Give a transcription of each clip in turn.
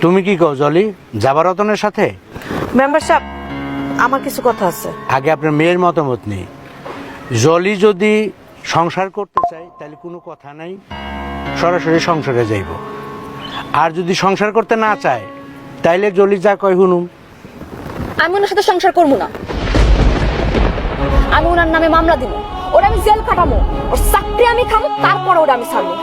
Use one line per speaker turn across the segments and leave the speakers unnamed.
তুমি কি কও জলি, যাবা রতনের সাথে?
মেম্বার সাহেব, আমার কিছু কথা আছে।
আগে আপনার মেয়ের মতামত নেই। জলি যদি সংসার করতে চায় তাহলে কোনো কথা নাই, সরাসরি সংসারে যাইব। আর যদি সংসার করতে না চায় তাইলে জলি যা কয় শুনুম।
আমি ওনার সাথে সংসার করবো না। আমি ওনার নামে মামলা দিব, ওরা আমি জেল কাটাবো, ওর চাকরি আমি খাবো, তারপরে ওরা আমি ছাড়বো।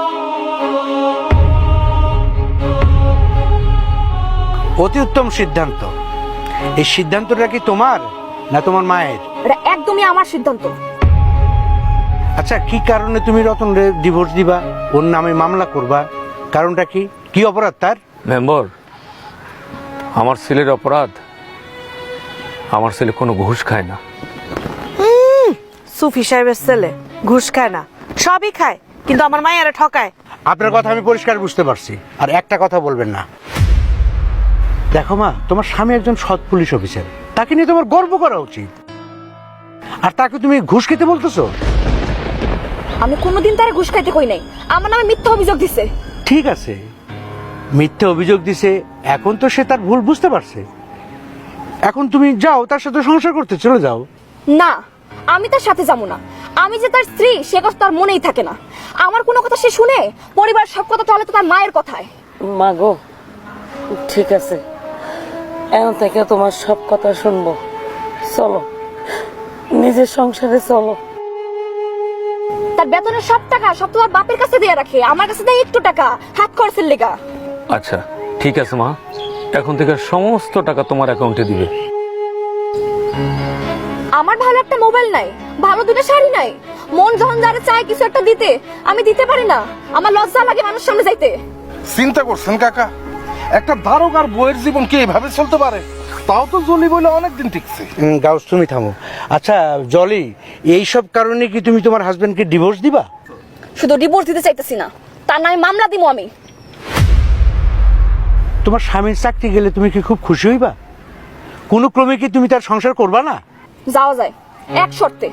অতি উত্তম সিদ্ধান্ত। এই সিদ্ধান্তটা কি তোমার না তোমার মায়ের?
এটা একদমই আমার সিদ্ধান্ত।
আচ্ছা, কি কারণে তুমি রতনরে ডিভোর্স দিবা, ওর নামে মামলা করবা? কারণটা কি? কি অপরাধ তার?
মেম্বার, আমার ছেলের অপরাধ, আমার ছেলে কোনো ঘুষ খায় না।
সুফি সাহেবের ছেলে ঘুষ খায় না, সবই খায়, কিন্তু আমার মায়েরা ঠকায়।
আপনার কথা আমি পরিষ্কার বুঝতে পারছি। আর একটা কথা বলবেন না। দেখো মা, তোমার স্বামী একজন সৎ পুলিশ অফিসার, তাকে নিয়ে তোমার গর্ব করা উচিত। আর তাকে তুমি ঘুষ খেতে বলতেছো?
আমি কোনোদিন তারা ঘুষ খাইতে কই নাই, আমার নামে মিথ্যা অভিযোগ দিছে।
ঠিক আছে, মিথ্যে অভিযোগ দিছে, এখন তো সে তার ভুল বুঝতে পারছে। এখন তুমি যাও, তার সাথে সংসার করতে চলে যাও।
না, আমি তার সাথে যাবো না। আমি যে তার স্ত্রী সে কথা তার মনেই থাকে না। আমার কোনো কথা সে শুনে, পরিবার সব কথা চলে তো তার মায়ের কথায়।
মা গো, ঠিক আছে, এখন থেকে তোমার সব কথা শুনবো। চলো, নিজের সংসারে চলো।
তার বেতনের সব টাকা সব তোমার বাপের কাছে দিয়ে রাখে, আমার কাছে দেয় একটু টাকা হাত খরচের লেগা।
আচ্ছা ঠিক আছে মা, এখন থেকে সমস্ত টাকা তোমার অ্যাকাউন্টে দিবে।
আমার ভালো একটা মোবাইল নাই, ভালো দুটো শাড়ি নাই, মন যখন যারা চায় কিছু একটা দিতে, আমি দিতে পারি না। আমার লজ্জা লাগে মানুষ সামনে যাইতে।
চিন্তা করছেন কাকা, একটা দারোগার বইয়ের জীবন কি এভাবে চলতে পারে? তাও তো জলি বলে অনেকদিন টিকছে।
গাউস, তুমি থামো। আচ্ছা জলি, এইসব কারণে কি তুমি তোমার হাজবেন্ডকে ডিভোর্স দিবা?
শুধু ডিভোর্স দিতে চাইতেছি না, তার নামে মামলা দিব আমি।
তোমার স্বামীর চাকরি গেলে তুমি কি খুব খুশি হইবা? কোনো ক্রমে কি তুমি তার সংসার করবা না?
যাওয়া যায় এক শর্তে,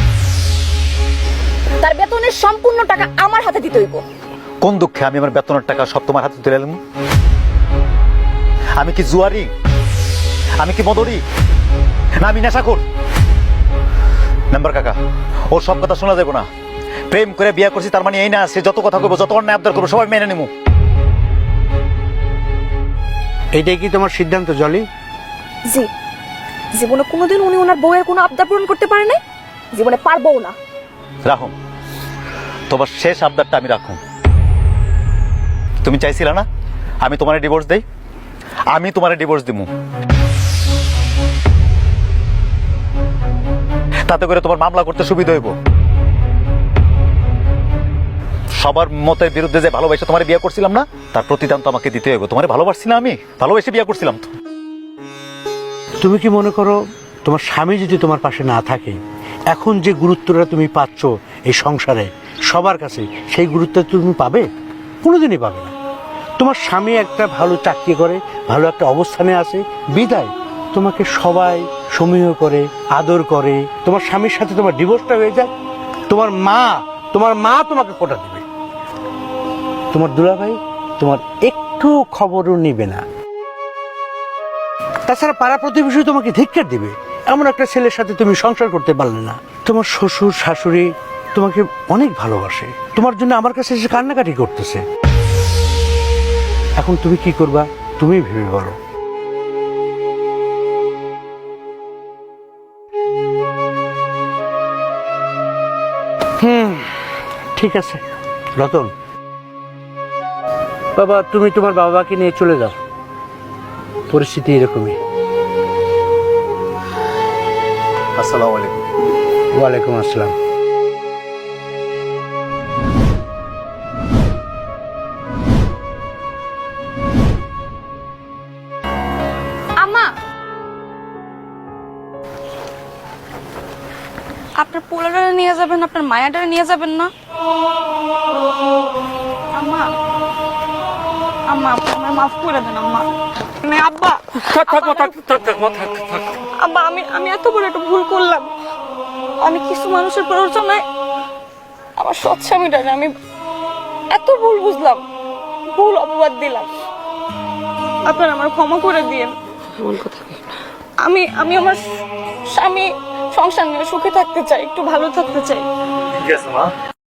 তার বেতনের সম্পূর্ণ টাকা আমার হাতে দিতে হইব।
কোন দুঃখে আমি আমার বেতনের টাকা সব তোমার হাতে তুলে এলাম? আমি কি জুয়ারি? আমি কি মদরি? না আমি নেশাখোর? নাম্বার কাকা, ওর সব কথা শোনা যাবে না। প্রেম করে বিয়ে করছি তার মানে এই না, সে যত কথা কইবো, যত অন্যায় আবদার করবো, সবাই মেনে নেবো।
এইটাই কি তোমার সিদ্ধান্ত জলি?
জি, জীবনে কোনোদিন উনি ওনার বউয়ের কোনো আবদার পূরণ করতে পারে নাই, জীবনে পারবো না।
রাখুন, তোমার শেষ আবদারটা আমি রাখুন। তুমি চাইছিলা না আমি তোমার ডিভোর্স দেই? আমি তোমার ডিভোর্স দিব। তাতে করে তোমার মামলা করতে সুবিধা হইব। সবার মতের বিরুদ্ধে যে ভালোবাসে তোমার বিয়ে করছিলাম না, তার প্রতিদান তো আমাকে দিতে হইব। তোমার ভালোবাসছি না, আমি ভালোবেসে বিয়ে করছিলাম তো।
তুমি কি মনে করো তোমার স্বামী যদি তোমার পাশে না থাকে, এখন যে গুরুত্বটা তুমি পাচ্ছ এই সংসারে সবার কাছে, সেই গুরুত্ব তুমি পাবে? কোনোদিনই পাবে না। তোমার স্বামী একটা ভালো চাকরি করে, ভালো একটা অবস্থানে আছে বিদায় তোমাকে সবাই সমীহ করে, আদর করে। তোমার স্বামীর সাথে তোমার ডিভোর্সটা হয়ে যায়, তোমার মা তোমাকে কোটা দেবে। তোমার দুলাভাই তোমার একটু খবরও নিবে না। তাছাড়া পাড়া প্রতিবেশী তোমাকে ধিক্কার দিবে, এমন একটা ছেলের সাথে তুমি সংসার করতে পারলে না। তোমার শ্বশুর শাশুড়ি তোমাকে অনেক ভালোবাসে, তোমার জন্য আমার কাছে এসে কান্নাকাটি করতেছে। এখন তুমি কি করবা তুমি ভেবে বলো। ঠিক আছে রতন, বাবা তুমি তোমার বাবাকে নিয়ে চলে যাও, পরিস্থিতি এরকমই।
আসসালামু আলাইকুম।
ওয়ালাইকুম আসসালাম।
আম্মা, আপনার পোলাডারে নিয়ে যাবেন, আপনার মায়াডারে নিয়ে যাবেন না? আম্মা, আম্মা আপনি আমার মাফ করে দেন আম্মা। আব্বা, আব্বা আমি এত বড় একটা ভুল করলাম। আমি কিছু মানুষের প্ররোচনায় আমার সৎ স্বামীটারে আমি এত ভুল বুঝলাম, ভুল অপবাদ দিলাম।
আপনারা আমার ক্ষমা করে দিন।
এমন কথা কই না।
আমি আমার স্বামী সংসার নিয়ে সুখে থাকতে চাই, একটু ভালো থাকতে চাই।
ঠিক আছে মা।